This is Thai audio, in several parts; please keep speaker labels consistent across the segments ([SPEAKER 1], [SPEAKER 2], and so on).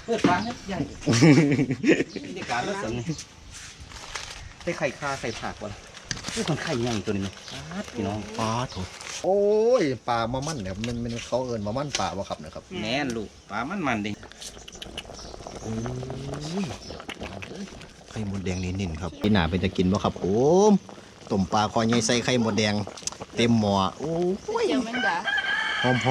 [SPEAKER 1] ปิดร้านใหญ่บรรยากาศแล้วสิได้ไข่คาใส่ผักวะนี่คนไข่ใหญ่ตัวนี้พี่น้องปลาถูก
[SPEAKER 2] โอ้ยปลามามั่นเนี่ยมันเขาเอิญมามั่นปลาบ่ครับนะครับ
[SPEAKER 1] แน่นลูกปลามันดิ
[SPEAKER 2] โอ้ยไข่มดแดงนิ่นๆครับพี่หนาเป็นจะกินบ่ครับผมต้มปลาคอใหญ่ใส่ไข่มดแดงเต็มหม้อโอ้ยหอม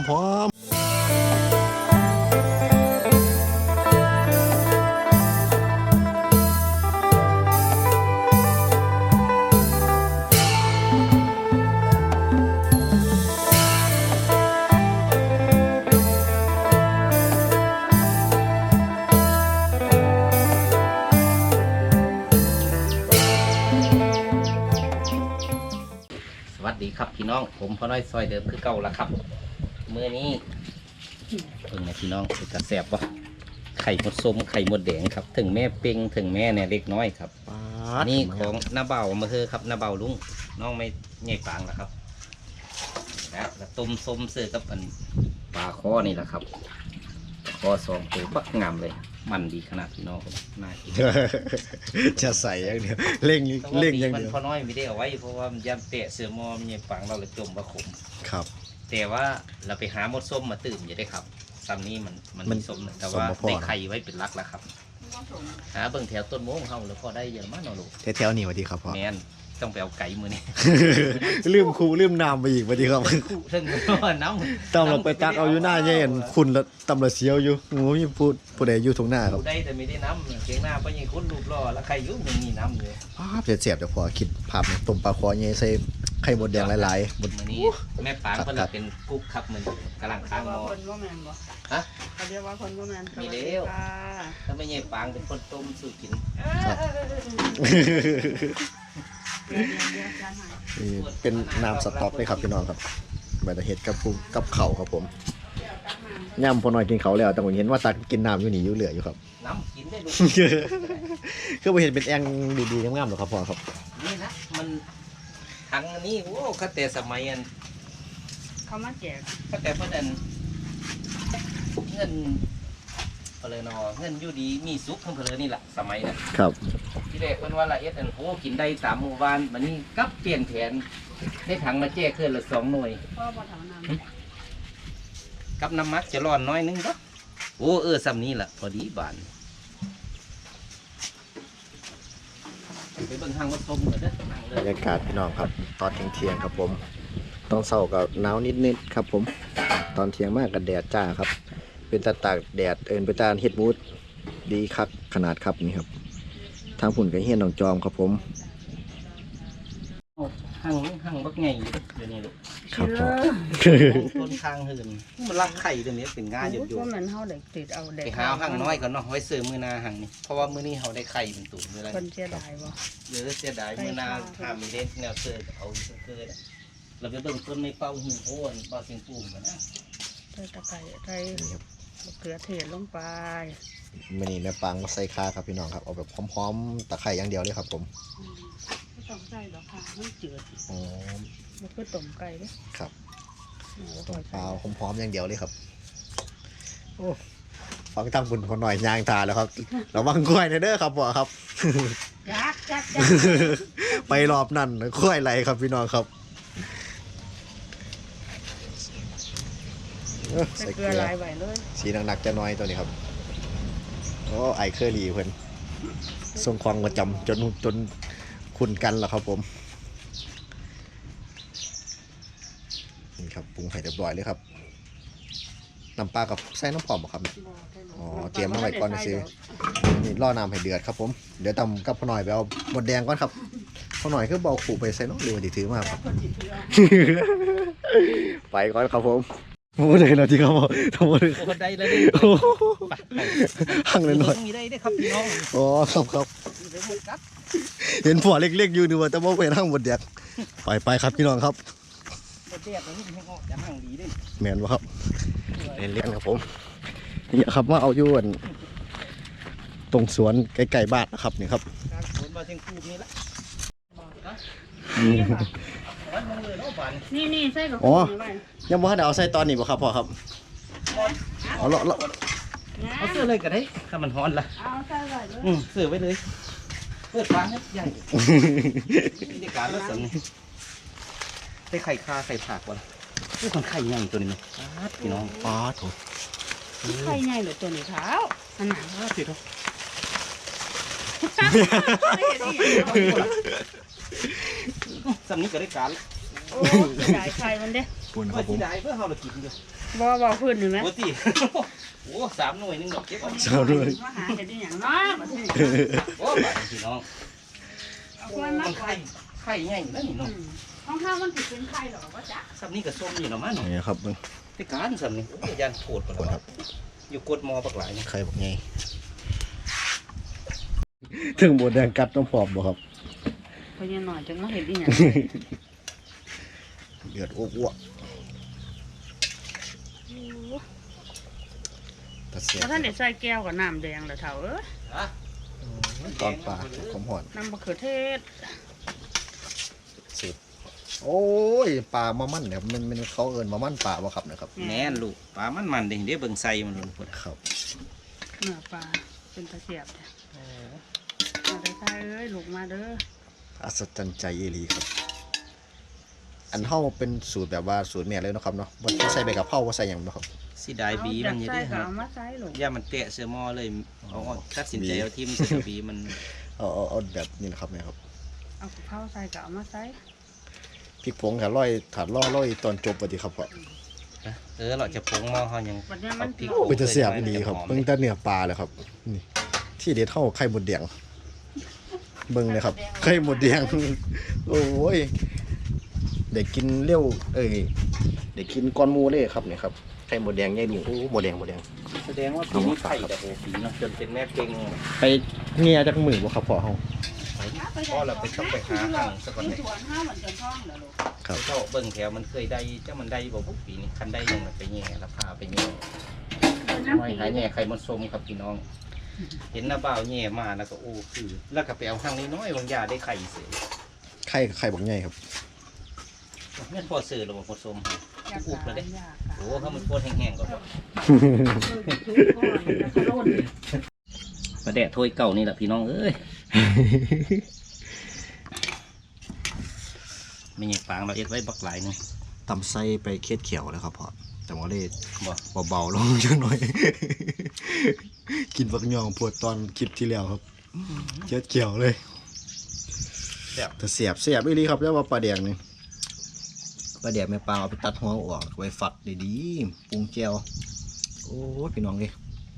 [SPEAKER 1] สวัสดีครับพี่น้องผมพ่อน้อยซอยเดิมคือเก่าละครับมื้อนี้เพิ่งนะพี่น้องเป็นกระแสบวะไข่มดส้มไข่มดแดงครับถึงแม่เป่งถึงแม่เนี่ยเล็กน้อยครับนี่ของน้าเบามาเถอะครับน้าเบาลุงน้องไม่ใหญ่ปางละครับแล้วต้มส้มเสือกับอันปลาข้อนี่แหละครับคอ2 ตัวปักงามเลยมันดีขนาดพี่น้องน่ากิน
[SPEAKER 2] จะใส่อย่างเดียวเร่งอย่างเดียว
[SPEAKER 1] มันพอน้อยไม่ได้เอาไว้เพราะว่ามันยำเตะเสือมอมันยังฝังเราเลยจมว่าขม
[SPEAKER 2] ครับ
[SPEAKER 1] แต่ว่าเราไปหามดส้มมาตื่มอยู่ได้ครับซ้ำนี้มันมีส้มแต่ว่าได้ไข่ไว้เป็นลักแล้วครับหาเบิ่งแถวต้นโม้งเขาแล้วพอได้เยอะมากเนาะลูก
[SPEAKER 2] แถวๆนี่สวัสดีครับพ่อ
[SPEAKER 1] แมนต้องไปเอาไก่มือนี่
[SPEAKER 2] ลืมน้ำไปอีกสวัสดีครับ
[SPEAKER 1] ซึ่งน้ำ
[SPEAKER 2] ตำเราไปตักเอาอยู่หน้าเย็นคุณละตำละเสียวอยู่งูมีผู้ใดอยู่ตรงหน้าครับ
[SPEAKER 1] ได้แต่ไม่ได้น้ำเชียงหน้าไปยังคุ้นรูปรอแล้วไข่ยุ่งยังมีน้ำอยู่
[SPEAKER 2] เสียบเดี๋ยวพอคิดภาพต้มปลาคอเงี้ยใส่ไข่มดแดงหลายๆ
[SPEAKER 1] มือนี้แม่ปางเพิ่นเป็นกุ๊กครับมันกำลังค้างหม้อ
[SPEAKER 3] คนว่าแมนบ่
[SPEAKER 1] ฮะ
[SPEAKER 3] เขาเรียกว่าคนว่าแมน
[SPEAKER 1] มีเดียวถ้าไม่ใช่ปางเป็นคนต้มสูตรกิน
[SPEAKER 2] นี่เป็นน้ำสต๊อกเลยครับพี่น้องครับแบบเห็ดกับเข่าครับผมย่ำพอหน่อยกินเขาแล้วแต่ผมเห็นว่าตักกินน้ำอยู่นี่อยู่เหลืออยู่ครับ
[SPEAKER 1] น้ำกินได้ดู
[SPEAKER 2] คือผมเห็นเป็นแองดีๆงามๆหรอครับพ่อครับ
[SPEAKER 1] นี่นะมันทั้งนี้โอ้ข้าแต่สมัยอัน
[SPEAKER 3] เขามาแจก
[SPEAKER 1] ข้าแต่เพื่อนเงินอะไรเนาะเงินอยู่ดีมีซุปทั้งเพลินนี่แหละสมัยนั้น
[SPEAKER 2] ครับ
[SPEAKER 1] ที่แรกเพิ่นว่าละเอ็ดอันโหกินได้3 หมู่บ้านวันนี้กับเปลี่ยนแผนได้ถังมาแจ้เคลื่อนละ2 หน่วยกับน้ำมักจะร้อนน้อยนึงก็โอ้ซ้ำนี้แหละพอดีบานไปเบิ่งทางวัดชมกันเด้อบ
[SPEAKER 2] รรยากาศพี่น้องครับตอนเที่ยงครับผมตอนเช้าก็หนาวนิดๆครับผมตอนเที่ยงมากกับแดดจ้าครับเป็นตาตากแดดเป็นตาเฮ็ดมูดดีคักขนาดครับนี่ครับทางผุ่นกับเฮียนหนองจอมครับผม
[SPEAKER 1] หั่งบักไงเดี๋ยวนี้ลูก
[SPEAKER 2] ครับผม
[SPEAKER 1] ต้นข้างหื่นมันรักไข่ตัวนี้เป็นง่ายอยู่
[SPEAKER 3] ว่ามันเขาเด็กติดเอาเด็ก
[SPEAKER 1] ไปหาหั่งน้อยก่อนเนาะไว้ซื้อมือนาหั่งนี่เพราะว่ามือนี้เขาได้ไข่เป็นตุ่มเลย
[SPEAKER 3] คนเสียดายบ่
[SPEAKER 1] เยอะเสียดายมือนาทำมีเด็ดแนวเสือเอาเสือเราไปเบิ่งต้นไม่เป้าหินโอนเป้าเสียงปุ่มกันนะ
[SPEAKER 3] ใส่ตะไคร้ใส่เกลือเทศลงไป
[SPEAKER 2] มันนี่แม่ปังมาใส่คาครับพี่น้องครับเอาแบบพร้อมๆตะไคร้อย่างเดียวเลยครับผม
[SPEAKER 3] ไม่ต้องใส่หรอกค่ะไม่จืด
[SPEAKER 2] อ๋อ
[SPEAKER 3] มันก็ต้มไก่เลย
[SPEAKER 2] ครับต้มเปล่าพร้อมๆอย่างเดียวเลยครับโอ้ฟังตั้งบุญคนหน่อยยางตาแล้วครับเราบังกล้วยเด้อครับพ่อครับ
[SPEAKER 3] จัก
[SPEAKER 2] ไปรอบนั่นกล้วยไรครับพี่น้องครับ
[SPEAKER 3] ใส่เกลือลายใบเลย
[SPEAKER 2] สีหนักๆจะน้อยตัวนี้ครับโอ้ไอเคอรี่เพิ่นทรงควงประจำจนคุ้นกันแล้วครับผมนี่ครับปรุงให้เรียบร้อยเลยครับน้ำปลากับใส่น้ำผอมครับอ๋อเตรียมมาไว้ก่อนซื้อนี่ล่อน้ำให้เดือดครับผมเดี๋ยวตำกับพ่อหน่อยไปเอาหมดแดงก่อนครับพ่อหน่อยคือเบาขู่ไปใส่น้องเรือดีถือมากครับไปก่อนครับผมโอ้ได้แล้วที่เขาบอกทั้งหมด
[SPEAKER 1] ได้แล้วดิ
[SPEAKER 2] หั่งเลยหน่อย
[SPEAKER 1] มีได้ครับพี่น้อง
[SPEAKER 2] อ๋อครับเห็นผัวเล็กๆอยู่นึกว่าจะบอกเป็นหั่งหมดแดงไปครับพี่น้องครับ
[SPEAKER 1] หมดแดงนี่ให้ออกจะหั่งดีด้วย
[SPEAKER 2] แมนวะครับเลี้ยงครับผมนี่ครับว่าเอาอยู่ตรงสวนใกล้ๆบ้านนะครับนี่ครับ
[SPEAKER 1] สวนบ้านเชียงคูนี่ละ
[SPEAKER 3] นี่ใส่กับ
[SPEAKER 2] อ๋อยังบ่ทันได้เอาใส่ตอนนี้บ่ครับพ่อครับเอาเลาะ
[SPEAKER 1] เอาเสื้อเลยก็ได้ถ้ามันฮ้อนละ
[SPEAKER 3] เอาใส่ไว้เลย
[SPEAKER 1] เสื้อไว้เลยเปิดฟ้าให้ใหญ่บรรยากาศรถสำนี่ได้ไข่คาไข่ผักวะนี่คนไข่ใหญ่ตัวนี้นะพี่น้อง
[SPEAKER 2] ป้าโถ
[SPEAKER 3] ไข่ใหญ่เหรือตัวนี้เท้าขนาด
[SPEAKER 1] พี่น้อง สำนี้ก็ได้การ
[SPEAKER 3] โอ้ได้ไข่มันเด้
[SPEAKER 2] ปุ่นค
[SPEAKER 1] เพื่
[SPEAKER 2] รั
[SPEAKER 1] อบ
[SPEAKER 2] ผม
[SPEAKER 1] ที่ได้เพื่อเรากินอยู่
[SPEAKER 3] บ่พื้นหรือไหม
[SPEAKER 1] ปกติโอ้3 หน่วยนึงดอกเก็บเอา
[SPEAKER 2] เจ้าด้วย
[SPEAKER 3] มาหาเห็ดได้อย่างน้อยมาที่นี่
[SPEAKER 1] โอ้บาดพี่น้อง
[SPEAKER 3] เอาควรมา
[SPEAKER 1] มันไข่ใหญ่แล้วนี่น้อง
[SPEAKER 3] ห้องข้าวมันติดเป็นไข่หรอวะจ๊ะ
[SPEAKER 1] สำนี้ก็ส้มอยู่เนาะมั้ง
[SPEAKER 2] นี่ครับมึง
[SPEAKER 1] ได้การสำนี้ยันโคตร
[SPEAKER 2] ปุ่นครับ
[SPEAKER 1] อยู่กดมอปักหลายนี่
[SPEAKER 2] ไข่บอกไงถึงบดแดงกัดน้ำผอมบ่ครับ
[SPEAKER 3] เพราะยังหน่อยจังมาเห็ดได้อย่าง
[SPEAKER 2] เดือดอ้วกตะเสียบ
[SPEAKER 3] แล้วท่านเด็ดใส่แก้วกับน้ำแดงเหรอเท่าเอ้ย
[SPEAKER 1] ฮะ
[SPEAKER 2] ตอนปลาขมหอน
[SPEAKER 3] น้ำมะเขือเทศ
[SPEAKER 2] สิบโอ้ยปลามามั่นเนี่ยมันเขาเอินมามั่นปลาบ่ครับนะครับ
[SPEAKER 1] แน่นลูกปลามันเด้งเด้เบิ่งใส่มันลงพุ่น
[SPEAKER 2] ครับ
[SPEAKER 3] เนื้อปลาเป็นตะเสียบเนี่ยมาได้ใส่เอ้ยลูกมาเด้อ
[SPEAKER 2] อัศจรรย์ใจเอหลีครับ อันเฮาเป็นสูตรแบบว่าสูตรแม่เลยเนาะครับเนาะบ่ใส่ใบกะเพราบ่ใส่หยังเนาะครับ
[SPEAKER 1] สิได้บีมันอยู่
[SPEAKER 3] ใส่
[SPEAKER 1] เด้
[SPEAKER 3] ก็
[SPEAKER 1] ฮะ
[SPEAKER 3] เอามาใส่ลูก
[SPEAKER 1] ย่ามันเตะเสื้อหม้อเลยเอาตัดสินใจเอาทิมเสื้อบีมัน
[SPEAKER 2] เอาแบบนี้นะครับแม่ครับ
[SPEAKER 3] เอากะเพราใส่ก็เอามาใส่
[SPEAKER 2] พริกผงค่ะถาดร้อยตอนจบบ่ดีครับพ่อ
[SPEAKER 1] เราจะปรุงหม้อเฮายัง
[SPEAKER 3] วันนี้มัน
[SPEAKER 1] พริก
[SPEAKER 2] โอ้ยจะเสียบอีหลีครับเบิ่งแต่เนื้อปลาเลยครับนี่ที่เด็ดเฮาไข่มดแดงเบิ่งเลยครับไข่มดแดงโอ้ยได้กินเร็วได้กินก้อนหมูเลยครับเนี่ยครับไข่มดแดงใหญ่ลุงโอ้หมดแดง
[SPEAKER 1] แสดงว่าปีนี้ไข่แต่โอ้ปีเนาะจนเป็นแม่เก่ง
[SPEAKER 2] ไปเงียจากมือบ่ครับพ่อเฮา
[SPEAKER 1] พ่อเราไปต้องไปหาทางสักวันไหน
[SPEAKER 3] สวนห้าเหมือนกันท้องเหรอลูก
[SPEAKER 2] ครับ
[SPEAKER 1] เจ้าเบิ่งแถวมันเคยได้เจ้ามันได้บ่บุกปีนี้คันได้ยังไปแย่ราคาไปแย่
[SPEAKER 3] น้ำ
[SPEAKER 1] ไม่
[SPEAKER 3] ปี
[SPEAKER 1] หายแย่ไข่มันส้มครับพี่น้อง เห็นหน้าบ่าวแย่มาแล้วก็โอ้คือแล้วก็ไปเอาห้างน้อยๆบางยาได้ไข่เสีย
[SPEAKER 2] ไข่บักใหญ่ครับ
[SPEAKER 1] แม่นพอซื้อหรือบ่พอส้ม
[SPEAKER 3] อยาก
[SPEAKER 1] อุบเลยเด้
[SPEAKER 3] อยาก
[SPEAKER 1] โอ้เขามันโคตรแห้งๆก็บ่ประแดะถ้วยเก่านี่แหละพี่น้องเอ้ย ไม่ใช่ฟางเราเอ็ดไว้บักหลายนึง
[SPEAKER 2] ตำไส้ไปเคสเขียวแล้วครับพ่อแต่ว่าเลย
[SPEAKER 1] บ่
[SPEAKER 2] เบาๆลงจังหน่อย กินบักยองปวดตอนคลิปที่แล้วครับเคสเขียวเลย
[SPEAKER 1] แซ่บ
[SPEAKER 2] แต่เสียบอีหลีครับแล้วว่าปลาแดงนี่ปลาแดงแม่ปลาเอาไปตัดหัวออกไว้ฝักดีๆปรุงเจียวโอ้ยพี่น้องดิ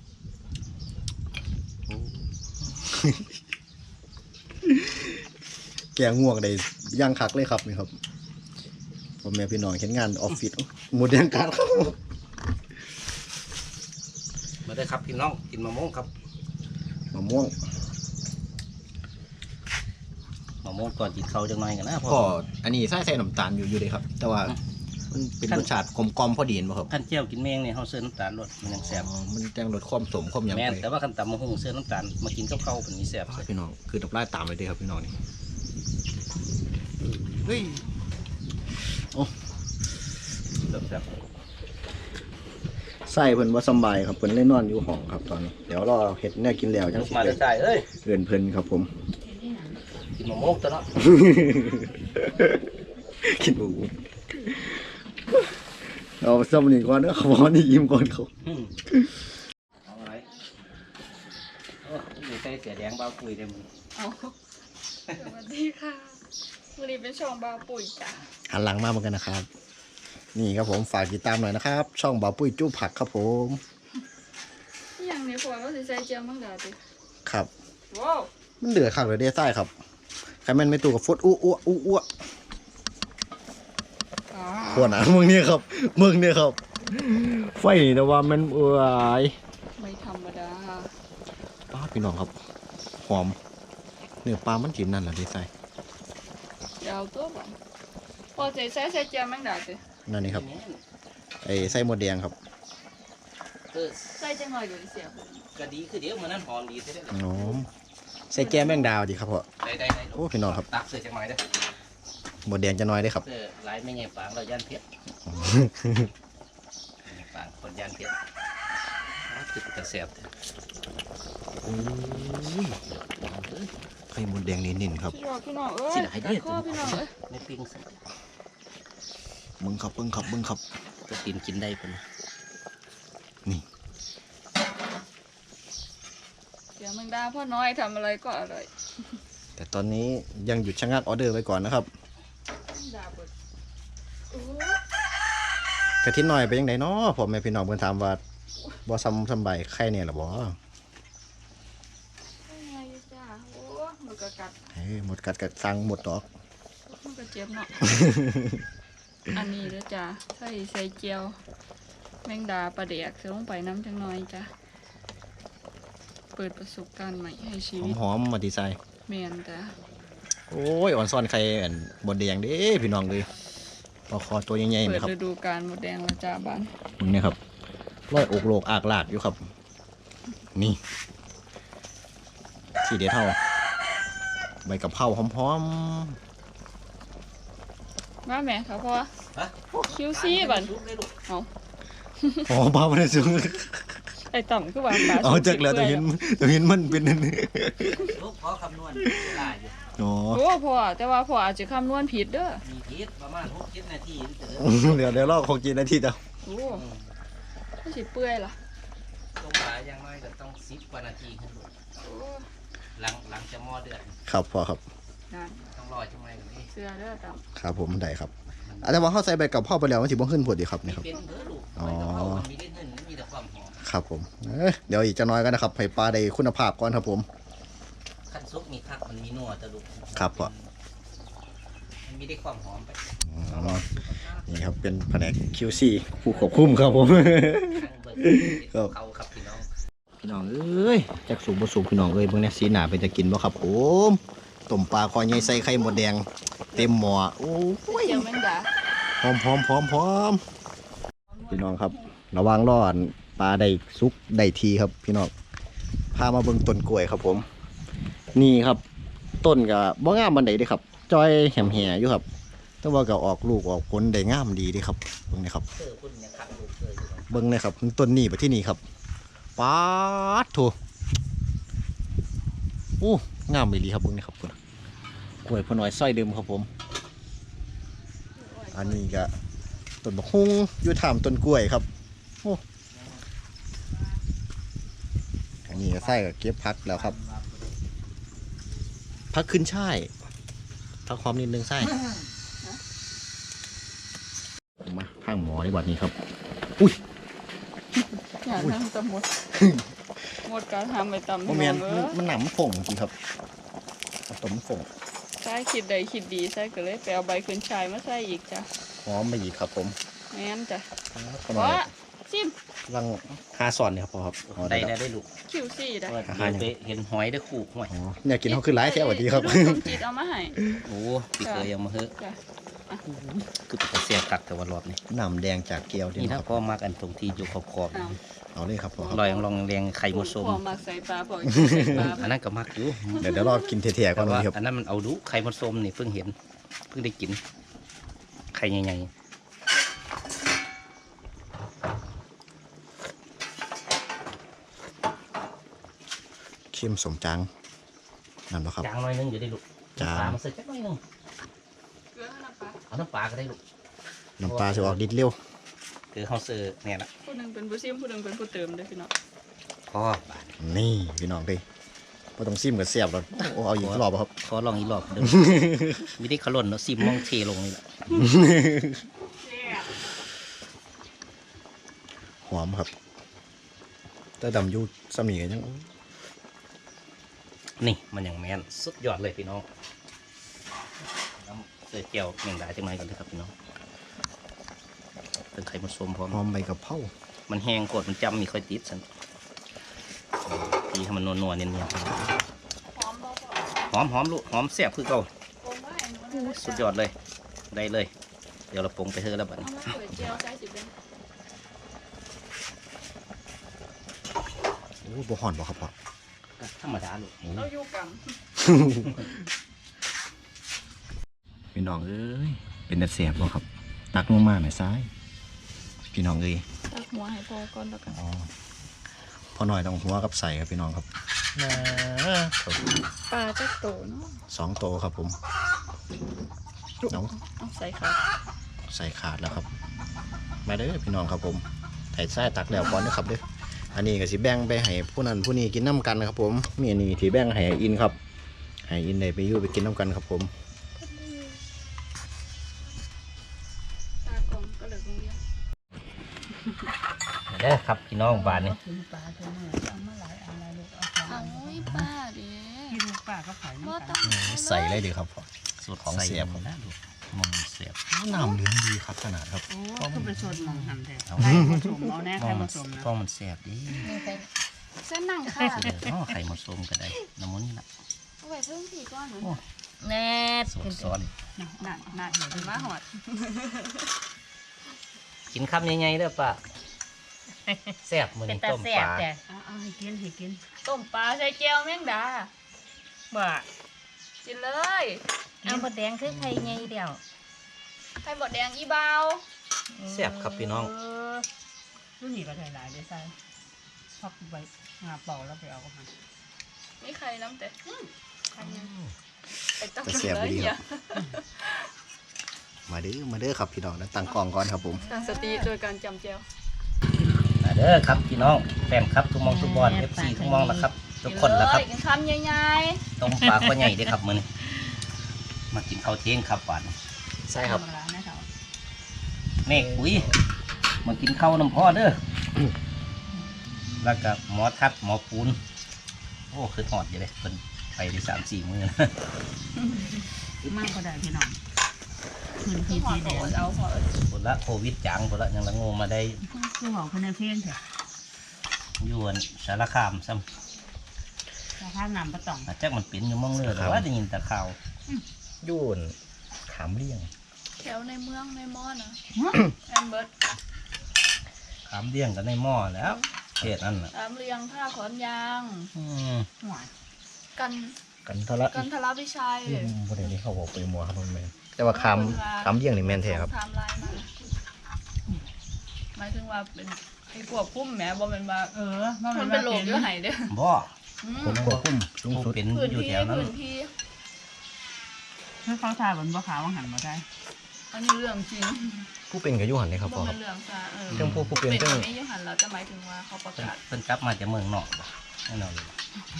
[SPEAKER 2] แกงง่วงได้ย่างคักเลยครับนี่ครับพ่อแม่พี่น้องเห็นงานออฟฟิศหมดแดงการครับ
[SPEAKER 1] มาได้ครับพี่น้องกินมะม่วงครับ
[SPEAKER 2] มะม่วง
[SPEAKER 1] มะม่วงก่อนกินข้าวจังหน่อยกันนะ
[SPEAKER 2] พ่ออันนี้ใส่น้ำตาลอยู่เลยครับ แต่ว่ามันเป็นรสชาติกลมๆพอดีเห็นบ่ครับ
[SPEAKER 1] ขั้นเจียวกินแมงเนี่ยเขาเสื้อน้ำตาลรสมันยังแซ่บ
[SPEAKER 2] อ๋อมันจังรสความสมความหยัง
[SPEAKER 1] แม่น
[SPEAKER 2] ไป
[SPEAKER 1] แต่ว่าขั้นต่ำมะฮุ่งเสื้อน้ำตาลมากินกับข้าวเป็นมีแซ่บ
[SPEAKER 2] พี่น้องคือตับไล่ตามไปเลยครับพี่น้องนี่เฮ้ย
[SPEAKER 1] แซ่บ
[SPEAKER 2] ใส่เพิ่นว่าสำบายครับเพิ่นเล่นนอนอยู่ห้องครับตอนนี้เดี๋ยวรอเห็ดเนี่ยกินแล้วจัง
[SPEAKER 1] ลูก
[SPEAKER 2] สิ
[SPEAKER 1] มาได้ใจเอ้ย
[SPEAKER 2] เอิ้นเพิ่นครับผม
[SPEAKER 1] กินมะม่วงตัวเนาะ
[SPEAKER 2] คิดดูเอาสำนีก่อนเด้อขอนี่ยิ้มก่อนเขา
[SPEAKER 1] เอาอะไรโอ้ยใส่เสียแดงเบาคุยได้มึง
[SPEAKER 4] เอาสวัสดีค่ะวันนี้เป็นช่องบาวปุ๋ยจ้ะ
[SPEAKER 2] หันหลังมาเหมือนกันนะครับ นี่ครับผมฝากติดตามหน่อยนะครับ ช่องบ่าวปุ้ยจู้ผักครับผม
[SPEAKER 4] อหย่างนี้พอว่าสิใส่เจียวมังดาติ
[SPEAKER 2] ครับ
[SPEAKER 4] ว้าว
[SPEAKER 2] มันเดือดข้างเลยเด้ใต้ครับใครแม่นไม่ตู้กับฟุตอ้ว
[SPEAKER 4] อ๋อ
[SPEAKER 2] ขวดนะมึงเนี่ยครับมึงเนี่ยครับ ไฟนี่แต่ว่ามันเอ้ย
[SPEAKER 4] ไม่ธรรมดา
[SPEAKER 2] ป้าพี่น้องครับหอมเนื้อปลามันกินนั่นแหละเด้ใส่
[SPEAKER 4] เดี๋ยวเอาตัวบ่พอสิใส่เจียวมังดาติ
[SPEAKER 2] นั่นนี่ครับไอ้ไส้หมดแดงครับ
[SPEAKER 4] ใส่จังหน่อยเดี๋ยวเสียบ
[SPEAKER 1] ก็ดีคือเดี๋ยวมันนั่นหอมดีใช่ไหม
[SPEAKER 2] หอมใส่แก้มแมงดาวดีครับพ่อ
[SPEAKER 1] ได้
[SPEAKER 2] โอ้พี่น้องครับ
[SPEAKER 1] ตักเสื้อจังหน่อยเด้อ
[SPEAKER 2] หมดแดงจะน้อยได้ครับ
[SPEAKER 1] เสื้อลายไม่ใหญ่ฟางเราย่านเพชรฟางคนย่านเพชรคือจะแซ่บ
[SPEAKER 2] โอ้ยไข่มดแดงนิ่นๆครับ
[SPEAKER 4] พี่น้องเอ้ย
[SPEAKER 1] สิได้ให้ดี
[SPEAKER 4] ข้อพี่น้องเอ้ย
[SPEAKER 1] ไม่ปิ้งสิ
[SPEAKER 2] เบิ่งครับ
[SPEAKER 1] ก็กินกินได้ปะนะ
[SPEAKER 2] นี่
[SPEAKER 4] เดี๋ยวแมงดาพ่อน้อยทำอะไรก็อร่อย
[SPEAKER 2] แต่ตอนนี้ยังหยุดชะงักออเดอร์ไว้ก่อนนะครับ
[SPEAKER 4] แมงดาเบิดโอ้
[SPEAKER 2] กะทิหน่อยไปยังไงเนาะพ่อแม่พี่น้องเพิ่นถามว่าบ่ซ้ำใบไข่เนี่ยหรอบ่
[SPEAKER 4] ยไงจ้าโอ้มันก็กัด
[SPEAKER 2] เฮ้ยหมดกัดกัดสั่งหมดดอก
[SPEAKER 4] มันก็เจ็บเนาะ อันนี้เด้อจ้าใส่เจียวแมงดาปลาเด็กเสือลงไปน้ำจังน้อยจ้าเปิดประสบการณ์ใหม่ให้ชีวิต
[SPEAKER 2] หอมๆมาดีไซน์
[SPEAKER 4] แมนจ้า
[SPEAKER 2] โอ้ยอ่อนซ่อนไข่อันบดแดงเด้พี่น้องเลยปลาคอตัวใหญ่ๆ
[SPEAKER 4] เปิ
[SPEAKER 2] เล
[SPEAKER 4] ด
[SPEAKER 2] ยครับ
[SPEAKER 4] ฤดูกาลหมดแดงแล้วจ้าบ้าน
[SPEAKER 2] มึงเนี่ยครับร้อยอกโลกอากลากอยู่ครับ นี่ที่เด็ดเท่าใบกะเพราหอม
[SPEAKER 4] มาแม่ครับพ่อ
[SPEAKER 1] ฮะ
[SPEAKER 4] คิวซี่บัน
[SPEAKER 2] ๆหอมปลามันสูง
[SPEAKER 4] ไอ้ต่ำคือว่าปลา
[SPEAKER 2] เอาจากแล้วตัวเห็นมันเป็นนั่น
[SPEAKER 1] ลูกขอคำนวณได้อยู่
[SPEAKER 2] อ๋อ
[SPEAKER 4] โอ้พ่อแต่ว่าพ่ออาจจะคำนวณผิดเด้อ
[SPEAKER 1] มีพิษประมาณ6-7 นาทีเถอะ
[SPEAKER 2] เดี๋ยวรอคงกินนาทีเดียว
[SPEAKER 4] โอ้ไม่สิเปื่อยล่ะ
[SPEAKER 1] ตรงปลาอย่างน้อยก็ต้อง10 กว่านาทีขึ้นไป
[SPEAKER 4] โอ้
[SPEAKER 1] หลังจะหม้อเดือด
[SPEAKER 2] ครับพอครับ
[SPEAKER 4] นั่น
[SPEAKER 1] ต้องรอจังไรกันนี่
[SPEAKER 4] เสื้อเด้อต่
[SPEAKER 2] ครับผมได้ครับแต่ว่าเข้าใส่ใบกะเพราไปแล้วมันสิบ่ขึ้นพอดีครับนี่ครับ
[SPEAKER 1] เป็นเด้อลูก
[SPEAKER 2] อ๋อ
[SPEAKER 1] ไม่ต้องเอามันมีเล่นเงินมีแต่ความหอม
[SPEAKER 2] ครับผมเดี๋ยวอีกจะน้อยกันนะครับให้ปลาได้คุณภาพก่อนครับผม
[SPEAKER 1] ขั้นซุปมีคักมันมีนัวตะลุก
[SPEAKER 2] ครับพ่อ
[SPEAKER 1] มันมีได้ความหอมไป
[SPEAKER 2] นี่ครับเป็นแผนก QC ผู้ควบคุมครับผม
[SPEAKER 1] ทั้งเบิร์
[SPEAKER 2] ครับ
[SPEAKER 1] เขาครับพี่น้อง
[SPEAKER 2] พี่น้องเอ้ยจากสูบบ่สูบพี่น้องเอ้ยเบิ่งเนี่ยสีหน้าเป็นจะกินบ่ครับผมต้มปลาคอใหญ่ใส่ไข่หมดแดงเต็มหม้อโอ้
[SPEAKER 4] ำ
[SPEAKER 2] ย
[SPEAKER 4] เจียวแมงดา
[SPEAKER 2] หอมพี่น้องครับระวังร้อนปลาได้สุกได้ทีครับพี่น้องพามาเบิ่งต้นกล้วยครับผม นี่ครับต้นก็บ่งามปานใดเด้ครับจอยแหมๆอยู่ครับแต่ว่าก็ออกลูกออกผลได้งามดีเด้ครับเบิ่งนี่ครับ
[SPEAKER 1] เออคุณยังขับลูกเลยอยู่
[SPEAKER 2] เบิ่งเลยครับต้นนี้ไปที่นี่ครับป๊าดโถโอ้งามอีหลีครับเบิ่งนี่ครับคุณกล้วยพอน้อยซอยเดิมครับผม อันนี้ก็ต้นบักฮุ้งอยู่ถามต้นกล้วยครับโอ้อันนี้ก็ใส่กับเก็บพักแล้วครับพักขึ้นช่ายพักหอมนิดนึงใส่มาข้างหมอในบัดนี้ครับ
[SPEAKER 4] อย่าทำตะหมดหมดการทำไปตำ
[SPEAKER 2] โมเมนมันหนำฝงจริงครับเอาต้มฝง
[SPEAKER 4] ใช่คิดใดคิดดีใช่ก็เลยไปเอาใบขึ้นชายมาใส่อีกจ้ะ
[SPEAKER 2] หอมมาอีกครับผม
[SPEAKER 4] แม่นจ้ะ
[SPEAKER 2] ประ
[SPEAKER 4] เพ
[SPEAKER 2] มาณ
[SPEAKER 4] ราะซิม
[SPEAKER 2] รัง5 ซอนเนี่ยครับพอครับอ๋อ
[SPEAKER 1] ได้
[SPEAKER 2] ได้
[SPEAKER 1] ได้ลูก
[SPEAKER 4] คิวซี่ได้
[SPEAKER 1] เดี๋ยวไปเห็นหอยได้ขู่หอย
[SPEAKER 2] อ๋อเนี่ยกินเขาคือร้ายแท้สวัสดีครับ
[SPEAKER 4] ลูกสมจิตเอามาให้
[SPEAKER 1] โอ้พี่เคยยังมาเฮ้อะ
[SPEAKER 4] จ้ะ
[SPEAKER 1] คือเป็นเสียกักแต่ว่ารอบนี้
[SPEAKER 2] น้ำแดงจากเกลียวดี
[SPEAKER 1] นี่
[SPEAKER 2] นะ
[SPEAKER 1] ถ้า
[SPEAKER 2] ครับ
[SPEAKER 1] พ่อมากันตรงที่อยู่ขอบ
[SPEAKER 4] เอา
[SPEAKER 2] เอาเลยครับพอครับ
[SPEAKER 1] ลอยลองแรงไข่มดส้ม
[SPEAKER 4] พอมาใส่ปลาพอใส่ปลา
[SPEAKER 1] อันนั้นก็มักอยู่
[SPEAKER 2] เดี๋ยวรอกินเถี่ยๆก่
[SPEAKER 1] แต่
[SPEAKER 2] อน
[SPEAKER 1] ว่า
[SPEAKER 2] วันนี้ครับ
[SPEAKER 1] อันนั้นมันเอาดูไข่มดส้มนี่เพิ่งเห็นเพิ่งได้กินไข่ใหญ่
[SPEAKER 2] เค็มสมจังนั่นนะครับ
[SPEAKER 1] ๆจางหน่อยนึงอยู่ได้ลูก
[SPEAKER 2] จาง
[SPEAKER 1] ปลามาใส่จักหน่อยนึง
[SPEAKER 4] เกลือให้น้ำปลา
[SPEAKER 1] เอาน้ำปลาก็ได้ลูก
[SPEAKER 2] น้ำปลาจะออกดิดเร็ว
[SPEAKER 1] คือเฮาเซอร์เนี่ยละ
[SPEAKER 4] ผู้หนึ่งเป็นผู้ซิมผู้หนึ่งเป็นผู้เติมเด้อพี่น้อง
[SPEAKER 1] พ่อบาด
[SPEAKER 2] นี่พี่น้องดิพอต้องซิมกับเสียบแล้วโอ้เอาอีกรอบครับ
[SPEAKER 1] ขอลองอีกรอบเดิม มีได้ขลุ่นเนาะซิมมองเทลงนี่แหละ
[SPEAKER 2] หอมครับแต่ดำอยูสมีกันยัง
[SPEAKER 1] นี่มันอย่างแมนสุดยอดเลยพี่น้องน้ำเสือเจียวแมงดาจังไรกันเลยครับพี่น้องเป็นไข่มดส้มพร้อม
[SPEAKER 2] หอมใบกะเพรา
[SPEAKER 1] มันแห้งกดมันจำมีค่อยติดสันตีให้มันนัวๆเนียน
[SPEAKER 4] หอมบ่พอ
[SPEAKER 1] ๆหอมลูกหอมแซ่บคือเก่า
[SPEAKER 4] โอ้ไม่หนูนะ
[SPEAKER 1] สุดยอดเลยได้เลย เดี๋ยวเราปรุงไปเถอะแล้วบัด
[SPEAKER 4] เอา
[SPEAKER 1] นี้
[SPEAKER 4] มาเปิดเจียวใส่สิเป็น
[SPEAKER 2] โอ้บ่ห่อนบ่ครับพ่อ
[SPEAKER 1] ก็ธรรมดาลูก
[SPEAKER 4] เราอยู่กัง
[SPEAKER 2] พี่น้องเอ้ยเป็นแต่เสียบบ่ครับ ตักลงมาหน่อยซ้ายพี่น้องเอ้ย
[SPEAKER 4] ตักหัวให้พอก่อนแล้วกัน
[SPEAKER 2] อ๋อพอหน่อยต้องหัวกับใส่ครับพี่น้องครับ
[SPEAKER 4] ปลาจะโตเนาะ
[SPEAKER 2] 2 โตวครับผมน้อง
[SPEAKER 4] เอาใส่ค่ะ
[SPEAKER 2] ใส่ขาดแล้วครับมาเด้อพี่น้องครับผมไถ่ไส้ตักแล้วก่อนนะครับเด้ออันนี้ก็สิแบ่งไปให้ผู้นั้นผู้นี้กินน้ำกันนะครับผมมีอันนี้ที่แบ่งให้อินครับให้อินได้ไปอยู่ไปกินน้ำกันครับผม
[SPEAKER 4] ตากล่องก็เลยโรงเรียน
[SPEAKER 1] เด้อครับพี่น้องบ้านนี่
[SPEAKER 3] กินปลาเท่านั้นเอามาหลายอันหลายลูกเอาสอง
[SPEAKER 4] เอา
[SPEAKER 3] อัน
[SPEAKER 4] ไว้ป้าเด้
[SPEAKER 3] ที่ลูกป้าก็ขาย
[SPEAKER 4] บ่
[SPEAKER 3] น้ำ
[SPEAKER 4] ต้
[SPEAKER 3] กั
[SPEAKER 4] อน ง
[SPEAKER 2] ใส่เลยดีครับ
[SPEAKER 1] สูตร
[SPEAKER 2] ของเสียบ
[SPEAKER 1] นะลูกมองเสียบ
[SPEAKER 2] น้ำเหลืองดีครับขนาดครับ
[SPEAKER 3] โอ้คือไปชนมองหันแท้
[SPEAKER 1] เอา
[SPEAKER 3] ใครผสมเอาแน่
[SPEAKER 1] ม
[SPEAKER 3] ใคร
[SPEAKER 1] อง
[SPEAKER 3] ผ
[SPEAKER 1] มัน
[SPEAKER 3] สมนะ
[SPEAKER 1] ฟองมันแสบดี
[SPEAKER 4] เส้นหนังค่ะ
[SPEAKER 1] เดี๋ยวไข่มดส้มก็ได้น้ำมันนี่ละ
[SPEAKER 4] เอาไว้เพิ่มผีก้อนหนู
[SPEAKER 5] แน่
[SPEAKER 1] สูตรซ้อน
[SPEAKER 3] น่าเห็น
[SPEAKER 4] เป็นมาหอด
[SPEAKER 1] กินคำใหญ่ๆเด้อป้าแซ่บมื้อ
[SPEAKER 5] เป็น
[SPEAKER 1] นี้
[SPEAKER 5] ตา
[SPEAKER 1] ต้ม
[SPEAKER 5] แซ่
[SPEAKER 1] ป
[SPEAKER 5] บ
[SPEAKER 1] ลา
[SPEAKER 5] แต่
[SPEAKER 3] เอาให้กินให้กิน
[SPEAKER 4] ต้มปลาใส่เจียวแมงดา
[SPEAKER 5] บ่
[SPEAKER 4] กินเลย
[SPEAKER 5] เอาบดแดงคือไข่ไงเดียว
[SPEAKER 4] ไข่หมดแดงอีเบา
[SPEAKER 1] แซ่บครับพี่น้อง
[SPEAKER 3] รุ่นนี้ก็ใส่หลายได้ใส่พักใบงาเป่าแล้วไปเอาก็มา
[SPEAKER 4] นี่ไข่น้ำแต่ไข่ยังไปต้ม
[SPEAKER 2] จะเสียบ
[SPEAKER 4] เลย
[SPEAKER 2] ดีค
[SPEAKER 4] เนี่
[SPEAKER 2] รั
[SPEAKER 4] ย
[SPEAKER 2] บมาเด้อครับพี่น้องนะตั้งกล้องก่อนครับผม
[SPEAKER 4] ตั้งสติโดยการจำเจียว
[SPEAKER 1] มาเด้อครับพี่น้องแฟนครับทุกมองทุกบอล FC ทุกมองนะครับ ทุกคนละครับ
[SPEAKER 4] กินคำใหญ่
[SPEAKER 1] ต้มปลาข้อใหญ่เด้อครับมื้อนี้มากินข้าวเที่ยงครับบ้านนี้
[SPEAKER 2] ใช่ครับ
[SPEAKER 3] ธรรมดาแน่เถอะ
[SPEAKER 1] เมฆปุ๋ยมากินข้าวน้ำพ่อเด้อแล้วก็หมอทัดหมอปูนโอ้คือหอดอยู่เลยเพิ่นไปได้3-4 มื้อนะ
[SPEAKER 3] มากก็ได้พี่น้องคืน
[SPEAKER 4] ๆ
[SPEAKER 3] พี
[SPEAKER 4] ที่หอ
[SPEAKER 3] ที
[SPEAKER 4] ด
[SPEAKER 3] แด
[SPEAKER 4] โด
[SPEAKER 3] ง
[SPEAKER 4] ดเอาหอด
[SPEAKER 1] ผลละโควิดจังผลละยังละโงมาได้
[SPEAKER 3] คือบอกคนในเพลงเถอะ
[SPEAKER 1] อยู่อันสารคามซ้
[SPEAKER 3] สภาพน้ำประตอง
[SPEAKER 1] ำอาจจะมันเป็นอยู่หมองเรือแต่ว่าได้ยินแต่ข่าว
[SPEAKER 2] ยุ่นขามเลี่ยง
[SPEAKER 4] แถวในเมืองในมอนะแอมเบิร์ต
[SPEAKER 1] ขามเลี้ยงกันในหม้อแล้วเขตนั่นน่ะ
[SPEAKER 4] ตามเรียงท่าขอนยาง
[SPEAKER 3] หวาน
[SPEAKER 4] กัน
[SPEAKER 2] กันทะละ
[SPEAKER 4] กันทะลักวิชัย
[SPEAKER 2] ประเด็นนี้เขาบอกไปมัวครับมันแมนแต่ว่าขามเลี่ยงนี่แมนแท้ครับ
[SPEAKER 4] ไทม์ไลน์มาหมายถึงว่าเป็นไอ้พวกพุ่มแหมบ่เป็นว่า
[SPEAKER 3] ว่า
[SPEAKER 4] มันเป็นโรคเยอะไหนเด้อ
[SPEAKER 1] บ่
[SPEAKER 4] อืม
[SPEAKER 2] ผมควบคุมสูง
[SPEAKER 1] ผู้
[SPEAKER 2] สุด
[SPEAKER 1] เป็น
[SPEAKER 4] พื้น
[SPEAKER 1] อยู่
[SPEAKER 4] ที่
[SPEAKER 1] แถวนั้น
[SPEAKER 4] พื้นที่
[SPEAKER 3] คือเขาทาบนบ่ขาวว่าหันมาได้
[SPEAKER 4] อันนี้เรื่องจริง
[SPEAKER 2] ผู้เป็นกับยุหันเลยครับพ่
[SPEAKER 4] บ่
[SPEAKER 2] อค
[SPEAKER 4] เป็
[SPEAKER 2] รับ
[SPEAKER 4] นเรื่องซะ
[SPEAKER 2] เรื่องผู้เป็นเรื่อง
[SPEAKER 4] ไม่ยุหันเราจะหมายถึงว่าเขาประกาศ
[SPEAKER 1] เพิ่นกลับมาจากเมืองนอกบ่แน่นอนเลย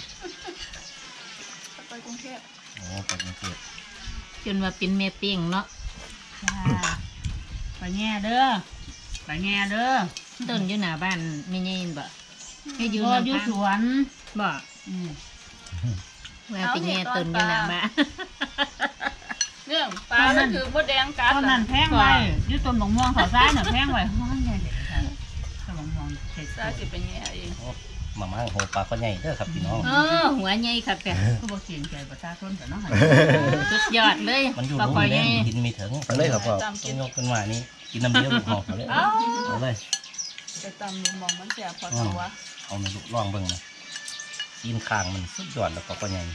[SPEAKER 4] ไปกรุงเทพ
[SPEAKER 1] โอ้ไปกรุงเทพ
[SPEAKER 5] จนว่าเป็นแม่เปี้ยงเนาะ
[SPEAKER 3] จ้าไปแง่เด้อไปแง่เด้อ
[SPEAKER 5] ต้นอยู่หน้าบ้านไม่ยินบ่ให้อยู่
[SPEAKER 3] พ่อ
[SPEAKER 5] น้ำ
[SPEAKER 3] อยู่
[SPEAKER 5] พัง
[SPEAKER 3] สวน
[SPEAKER 5] บ่
[SPEAKER 3] อืม
[SPEAKER 5] ว่าไปแง่ต้นอยู่หน้าบ้าน
[SPEAKER 4] เรื่องปลาก็คือมดแดงกัด
[SPEAKER 3] ตอนนั้นแพงไว้อยู่ต้นบงม่วงเขาซ้ายน่ะแพงไว้ห้องใหญ่เด็ดค่ะต้นบงม่วงเด็ด
[SPEAKER 4] ซาสิเป็นแง่เอง
[SPEAKER 1] มาม่าโหปลาข้อใหญ่เด้อครับพี่น้อง
[SPEAKER 5] หัวใหญ่ครับแต่
[SPEAKER 3] ก็บอกเสียงใจประชาชนแต่เนาะ
[SPEAKER 5] สุดยอดเลย
[SPEAKER 1] มันอยู่
[SPEAKER 5] ปลา
[SPEAKER 1] ลุ่
[SPEAKER 5] คอ
[SPEAKER 1] ม
[SPEAKER 5] ยให
[SPEAKER 1] แด
[SPEAKER 5] ญ่
[SPEAKER 1] งดินมีถึง
[SPEAKER 2] เอาเลยครับพ่อ
[SPEAKER 4] ตาม
[SPEAKER 1] ต้
[SPEAKER 4] กิ
[SPEAKER 1] อง
[SPEAKER 4] น
[SPEAKER 1] ยกขึ้นมานี่กินน้ำเดียวลูกหอกเอาเลย
[SPEAKER 4] เอ้า
[SPEAKER 1] เอาเลย
[SPEAKER 4] ไปตามลุงมองมันแสบพอตัว
[SPEAKER 1] เอาในลูกล่องเบิ่งนะกินข้างมันสุดยอดแล้วปลาข้อใหญ่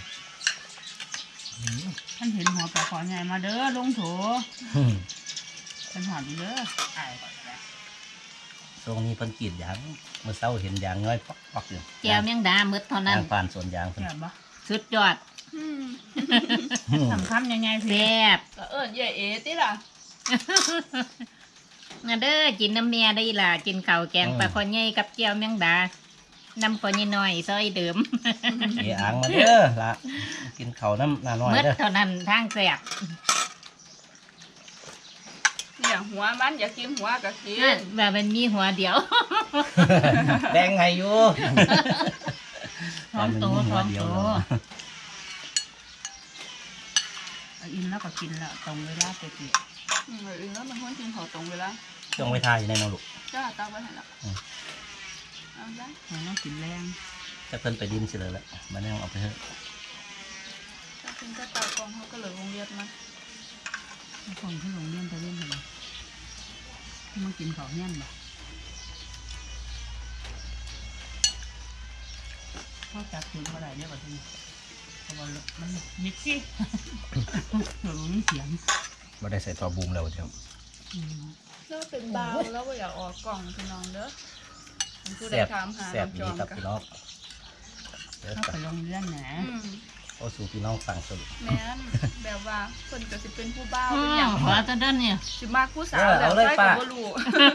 [SPEAKER 3] ท่านเห็นหัวปลาขอใหญ่มาเด้อลงโถเป็นหอดอยู่เด้ออายก่อนนะ
[SPEAKER 1] ตรงนี้เพิ่นกรีดยางเมื่อเช้าเห็นยางน้อยปักๆอยู่
[SPEAKER 5] แก้วแมงดาหมืดเท่านั้น
[SPEAKER 1] ยางผ่านสวนยางเพิ่น
[SPEAKER 3] แซ่บบ่
[SPEAKER 5] สุดยอด
[SPEAKER 3] สำคัญยังไงสิ
[SPEAKER 5] แซ่บ
[SPEAKER 4] ก็เอิ้นใหญ่เอติล่ะ
[SPEAKER 5] มาเด้อกินน้ำเมียได้ล่ะกินข้าวแกงปลาคอใหญ่กับแก้วแมงดาน้ำคอใหญ่น้อยซอยเดิม
[SPEAKER 1] เออ่างมาเด้อละกินข้าวน้ำหน้าน้อย
[SPEAKER 5] หมืด
[SPEAKER 1] เด้อ
[SPEAKER 5] เท่านั้นทางแซ่บ
[SPEAKER 4] เนี่ยหัวมันอยากกินหัวก็กิ
[SPEAKER 5] นั่น
[SPEAKER 4] น
[SPEAKER 5] ว่ามันมีหัวเดียว
[SPEAKER 1] แบ่งให้อยู่
[SPEAKER 3] ท้องโต
[SPEAKER 1] แต่
[SPEAKER 3] ท้
[SPEAKER 1] มันมีหัวเดียว
[SPEAKER 3] องโต
[SPEAKER 1] เนาะ
[SPEAKER 3] เอาอิ่มแล้วก็กินแล้วตรงเวลาไปกิน
[SPEAKER 4] แล้วมันควรกินขอตรงเวลา
[SPEAKER 1] จ้องไว้ทายอยู่ในน้องลูก
[SPEAKER 4] จ้าตักไว้ให้ละ
[SPEAKER 1] อืม
[SPEAKER 4] เอาได้
[SPEAKER 3] เราต้องกินแรง
[SPEAKER 1] จะเพิ่นไปดินสิเลยละมันยังเอาไปเถอะ
[SPEAKER 4] ถ้ากินก็ตากองเขาก็เหลือวงเวียนมา
[SPEAKER 3] คนที่โรงเรียนไปเรียนอะไรมากินของเงี้ยบ่เขาจับถึงเมื่อไหร่เนี่ยบ่ทีนี้เพราะว่ามันมิดซี่เดี๋ยวมันเสียง
[SPEAKER 2] ไม่ได้ใส่ตัวบูมแล้วเดี๋ยว
[SPEAKER 4] แล้วเป็นเบาแล้วก็อยากออกกล่องพี่น้องเด้อผู้ใด
[SPEAKER 1] แซ่บ
[SPEAKER 4] ถามหา
[SPEAKER 1] แซ่บ
[SPEAKER 4] น้ำจ
[SPEAKER 1] ดี
[SPEAKER 4] อม
[SPEAKER 1] ครับ
[SPEAKER 4] กัน
[SPEAKER 1] พี่น้องเดี๋ยว
[SPEAKER 3] เข้าไปลงเรื่องนะ
[SPEAKER 1] โอ้สู่พี่น้องฟังสรุป
[SPEAKER 4] แม่นแบบว่าคนก็สิเป็นผู้บ้าว
[SPEAKER 5] อื
[SPEAKER 4] เป็น
[SPEAKER 5] ม
[SPEAKER 4] อย่าง
[SPEAKER 5] ขอตอนนั้นเนี่ย
[SPEAKER 4] สิมากผู้สาวแล้วใช่ก็บ่รู้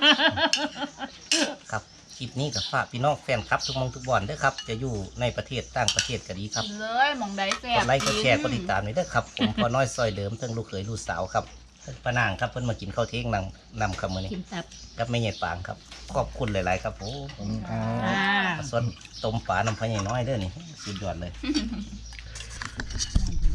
[SPEAKER 1] ครับคลิปนี้กับฝากพี่น้องแฟนครับทุกหมองทุกบอนเด้อครับ จะอยู่ในประเทศต่างประเทศก็ดีครับ
[SPEAKER 4] เลยหมองใดแซ่
[SPEAKER 1] ก
[SPEAKER 4] บ
[SPEAKER 1] ดไลค์กดแชร์กดติดตามนี่เด้อครับ ผมพอน้อยซอยเดิมทั้งลูกเขยลูกสาวครับเพิ่นป้านางครับเพิ่นมากินข้าวเที่ยงนำคำมื้อนี้
[SPEAKER 5] กินตับ
[SPEAKER 1] กับแม่ใหญ่ปางครับขอบคุณหลายๆครับผม
[SPEAKER 5] อ่า
[SPEAKER 1] ส่วนต้มปลาน้ำพะใหญ่น้อยเด้อนี่สุดยอดเลย